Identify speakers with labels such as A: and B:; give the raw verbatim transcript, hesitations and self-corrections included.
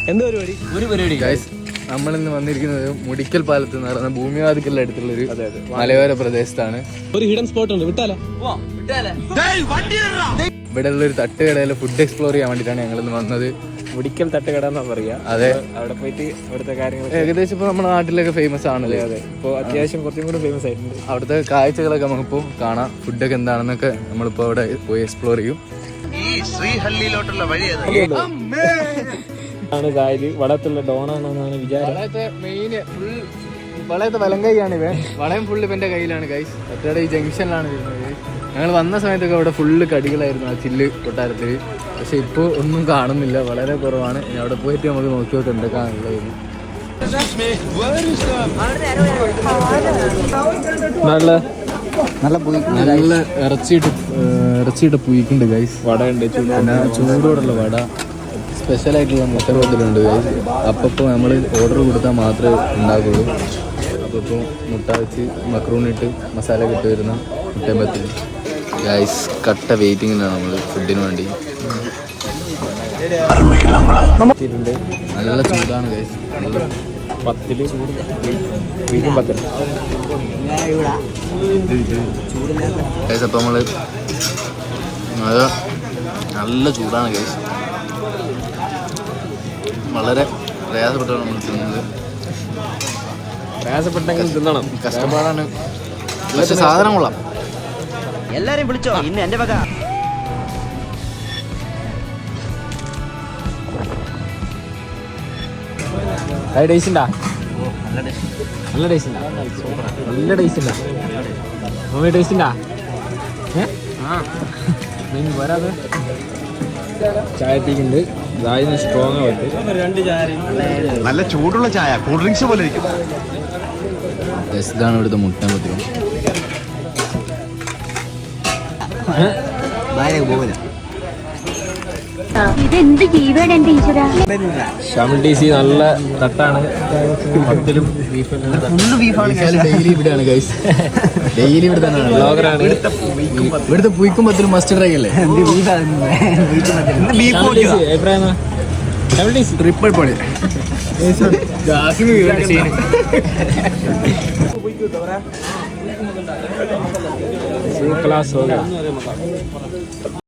A: എന്താ പരിപാടി? ഒരു പരിപാടി
B: ഗൈസ്, നമ്മളിന്ന് വന്നിരിക്കുന്നത് മുടിക്കൽ പാലത്ത് എന്ന് പറയുന്ന ഭൂമിവാദിക്കലിന്റെ അടുത്തുള്ളൊരു മലയോര പ്രദേശത്താണ്.
A: ഒരു ഹിഡൻ സ്പോട്ട് ഉണ്ട്, വിട്ടാലോ?
B: ഇവിടെ ഉള്ളൊരു തട്ടുകടയിലെ ഫുഡ് എക്സ്പ്ലോർ ചെയ്യാൻ വേണ്ടിയിട്ടാണ് ഞങ്ങൾ ഇന്ന് വന്നത്.
A: മുടിക്കൽ തട്ടുകട എന്നാ പറയാ.
B: അതെ,
A: അവിടെ പോയിട്ട് അവിടുത്തെ കാര്യങ്ങൾ
B: ഏകദേശം ഇപ്പൊ നമ്മുടെ നാട്ടിലൊക്കെ ഫേമസ് ആണല്ലേ.
A: അതെ, ഇപ്പൊ അത്യാവശ്യം കുറച്ചും കൂടി ഫേമസ് ആയിട്ടുണ്ട്.
B: അവിടുത്തെ കാഴ്ചകളൊക്കെ നമുക്കിപ്പോ കാണാം. ഫുഡൊക്കെ എന്താണെന്നൊക്കെ നമ്മളിപ്പോ അവിടെ പോയി എക്സ്പ്ലോർ ചെയ്യും.
C: ശ്രീഹള്ളിയിലോട്ടുള്ള വഴി
A: ആണ് കായല്. വളത്തുള്ള ഡോണാണെന്നാണ് വിചാരം.
B: മെയിൻ ഫുൾ വളയത്തെ വലം കൈയാണ് ഇവൻ. വളയം ഫുള്ള് ഇവന്റെ കയ്യിലാണ് ഗൈസ്. ഒറ്റയുടെ ഈ ജംഗ്ഷനിലാണ് വരുന്നത്. ഞങ്ങൾ വന്ന സമയത്തൊക്കെ അവിടെ ഫുള്ള് കടികളായിരുന്നു ആ ചില്ല് കൊട്ടാരത്തിൽ. പക്ഷെ ഇപ്പോൾ ഒന്നും കാണുന്നില്ല, വളരെ കുറവാണ്. ഇനി അവിടെ പോയിട്ട് നമുക്ക് നോക്കി നോക്കി എന്തൊക്കെയാണുള്ളത്.
A: നല്ല
B: നല്ല നല്ല ഇറച്ചിയിട്ട് ഇറച്ചിയിട്ട് പുയിക്കുണ്ട് ഗൈസ്.
A: വട ഉണ്ട്,
B: പിന്നെ ചൂടോടുള്ള വട, സ്പെഷ്യലായിട്ടുള്ള മുട്ടബത്തിലുണ്ട് ഗൈസ്. അപ്പോൾ നമ്മൾ ഓർഡർ കൊടുത്താൽ മാത്രമേ ഉണ്ടാകുള്ളൂ. അപ്പോൾ ഇപ്പോൾ മുട്ട വെച്ച് മക്രൂണിട്ട് മസാല കിട്ടി വരുന്ന മുട്ടബത്തിൽ ഗൈസ്. കട്ട വെയിറ്റിങ്ങിലാണ് നമ്മൾ ഫുഡിന് വേണ്ടി. നല്ല ചൂടാണ് ഗൈസ്.
A: പത്തില് വീണ്ടും പത്തില്
B: ഗൈസ്. അപ്പോൾ നമ്മൾ അത് നല്ല ചൂടാണ് ഗൈസ്. വളരെ പ്രയാസപ്പെട്ടാണ് നമ്മൾ തിന്നുന്നത്.
A: പ്രയാസപ്പെട്ടെങ്കിൽ തിന്നണം,
B: കഷ്ടപ്പാടാണ്. പക്ഷെ സാധനം കൊള്ളാം.
C: എല്ലാരെയും വിളിച്ചോ, ഇന്ന് എന്റെ വക.
A: ടേസ്റ്റ് ഉണ്ടാ? നല്ല ടേസ്റ്റ് ഉണ്ടാ? നല്ല ടേസ്റ്റ് ഉണ്ടാ? മമ്മി ടേസ്റ്റ് ഉണ്ടാ? ഏഹ് വരാതെ ചായ എത്തിക്കുന്നുണ്ട്. ചായ സ്ട്രോങ് ആവട്ടെ.
C: നല്ല ചൂടുള്ള ചായ, കൂൾ ഡ്രിങ്ക്സ് പോലെ ഇരിക്കും.
B: ഇതാണ് ഇവിടുത്തെ മുട്ട പത്രം.
A: നല്ല തട്ടാണ്. പത്തിലും
B: ഡെയിലി ഇവിടെയാണ് ഗൈസ്. ഡെയിലി ഇവിടെ തന്നെയാണ്.
A: ബ്ലോഗറാണ്.
B: ഇവിടുത്തെ പുയിക്കും പത്തിലും മസ്റ്റ് ട്രൈ അല്ലേ? ട്രിപ്പിൾ പൊളി.
A: क्लास हो गया.